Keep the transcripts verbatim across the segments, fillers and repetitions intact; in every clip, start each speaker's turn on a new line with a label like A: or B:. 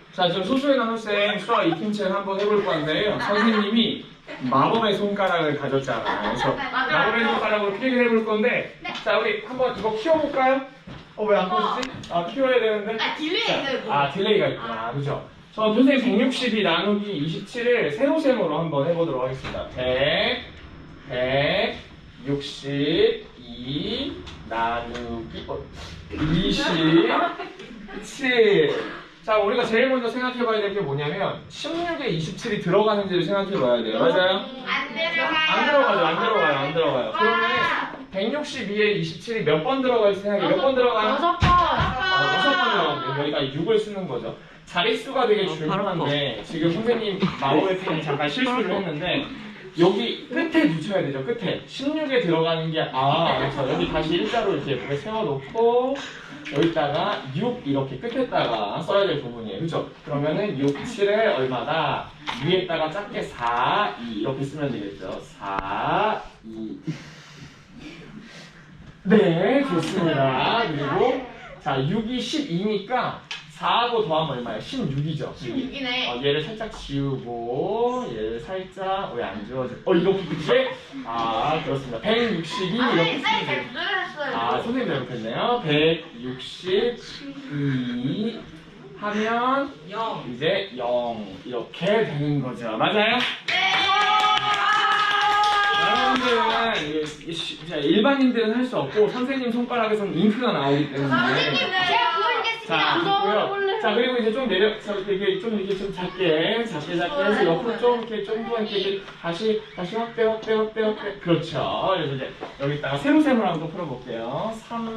A: 자, 지금 소수의 나눗셈 수학 익힘책 한번 해볼 건데요. 선생님이 마법의 손가락을 가졌잖아요. 그래서 마법의 손가락으로 필기를 해볼 건데, 자, 우리 한번 이거 키워볼까요? 어, 왜 안 꺼지지? 아, 키워야 되는데.
B: 아, 딜레이가 있어요.
A: 아, 딜레이가 있구나. 그죠? 저 선생님 백육십이 나누기 이십칠을 세로셈으로 한번 해보도록 하겠습니다. 백, 백육십이 나누기 어, 이십칠. 자, 우리가 제일 먼저 생각해봐야 될 게 뭐냐면 십육에 이십칠이 들어가는지를 생각해봐야 돼요. 맞아요?
B: 안 들어가요.
A: 안 들어가죠. 안 들어가요. 안 들어가요. 그러면 백육십이에 이십칠이 몇 번 들어갈지 생각해. 몇 번 들어가요?
C: 여섯 번.
A: 어, 여섯 번 들어가면 여기가 육을 쓰는 거죠. 자릿수가 되게 중요한데 지금 선생님 마법의 펜이 잠깐 실수를 했는데 여기 끝에 붙여야 되죠. 끝에 십육에 들어가는 게 아, 그렇죠. 여기 다시 일자로 이렇게 예쁘게 세워놓고 여기다가 육 이렇게 끝에다가 써야 될 부분이에요. 그렇죠? 그러면은 육, 칠에 얼마다 위에다가 작게 사, 이 이렇게 쓰면 되겠죠. 사, 이. 네, 좋습니다. 그리고 자, 육이 십이니까 사하고 더하면 얼마예요? 십육이죠.
B: 십육이네.
A: 어, 얘를 살짝 지우고 얘를 살짝 왜 안 지워져? 어, 이거 이제 아, 그렇습니다. 백육십이
B: 아,
A: 이렇게
B: 네,
A: 쓰면
B: 잘
A: 돼요.
B: 들으셨어요.
A: 아, 선생님 잘못했네요. 백육십이 하면
C: 영.
A: 이제 영 이렇게 되는 거죠. 맞아요?
B: 네.
A: 여러분들은 이게 시- 자, 일반인들은 할 수 없고 선생님 손가락에서는 잉크가 나오기 때문에
B: 선생님, 제가 보여드리겠습니다.
A: 자, 있고요. 자, 그리고 이제 좀 내려, 자, 이렇게 좀 이렇게 좀 작게, 작게, 작게 해서 옆으로 좀 이렇게 좀 더 이렇게, 이렇게 다시, 다시 확대, 확대, 확대, 확대. 그렇죠. 그래서 이제 여기다가 세로셈을 한번 풀어볼게요.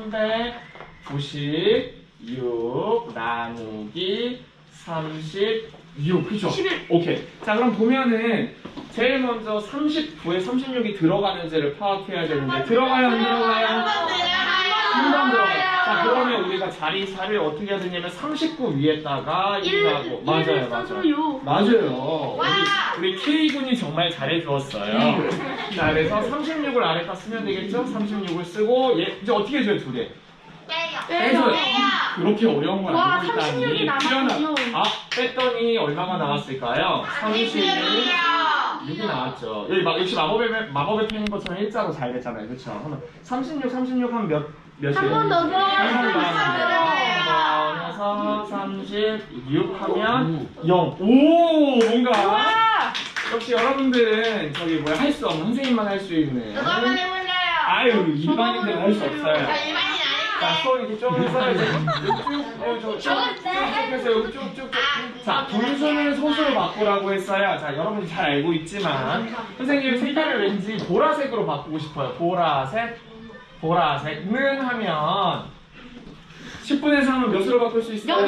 A: 삼백구십육 나누기 삼십육. 그죠?
C: 십일.
A: 오케이. 자, 그럼 보면은 제일 먼저 삼십구에 삼십육이 들어가는지를 파악해야 되는데 들어가요, 안 들어가요? 한 번 들어가요. 자, 그러면 우리가 자리사를 어떻게 해야 되냐면 삼십구 위에다가 일하고 맞아요, 맞아요. 맞아요.
B: 와!
A: 우리, 우리 K군이 정말 잘해주었어요. 자, 그래서 삼십육을 아래다 쓰면 되겠죠? 삼십육을 쓰고 얘 이제 어떻게 해줘요, 두 개?
B: 빼요.
A: 빼줘요. 그렇게 어려운 걸
C: 와,
A: 알고 있다니.
C: 삼십육이 남았군요.
A: 필요한- 아, 뺐더니 얼마가 나왔을까요? 삼십육이 육이 나왔죠. 여기 막 역시 마법의 마법의 펜인 것처럼 일자로 잘 됐잖아요, 그렇죠? 그러면 삼십육, 삼십육 하면 몇 몇이에요?
C: 한 번 더
A: 한번 더
C: 들어가요.
A: 하면 돼요. 삼십육 하면 영. 오, 뭔가
C: 와.
A: 역시 여러분들은 저기 뭐야 할 수 없는 선생님만 할 수 있는.
B: 저도 한번 해볼래요.
A: 아유, 일반인들은 할 수 없어요.
B: 저 일반인
A: 자,
B: 아닌데.
A: 손 이렇게 쭉 해서 이제 쭉, 쭉, 쭉 해서 여기 쭉, 쭉, 쭉. 자, 분수는 소수로 바꾸라고 했어요. 자, 여러분이 잘 알고 있지만 선생님 색깔을 왠지 보라색으로 바꾸고 싶어요. 보라색, 보라색는 하면 십분의 삼은 몇으로 바꿀 수 있어요?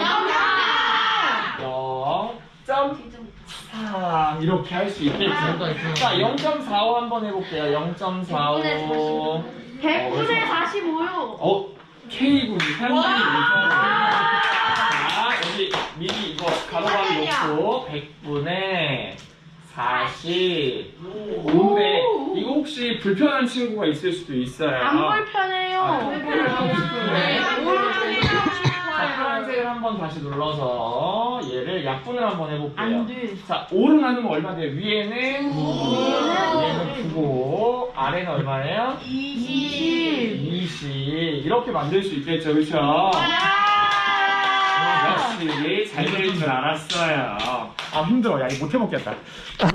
A: 영 점 삼 이렇게 할 수 있겠죠. 자, 영 점 사오 한번 해볼게요. 영 점 사오.
C: 백분의 사십오요.
A: 어? K군이 상당히 무서워요. 자, 여기 미리 이거 가로가로 놓고 백분의 사십오인데 이거 혹시 불편한 친구가 있을 수도 있어요.
C: 안
A: 아,
C: 불편해요.
A: 불편을 하고 싶은데 자,
C: 싶어요.
A: 파란색을 한번 다시 눌러서 얘를 약분을 한번 해볼게요.
C: 안 돼.
A: 자, 오를 나누면 얼마 돼요? 위에는 위에는 구고 아래는 얼마예요?
C: 이십.
A: 이십 이렇게 만들 수 있겠죠, 그렇죠? 역시 잘 될 줄 알았어요. 아, 힘들어. 야, 이거 못 해먹겠다.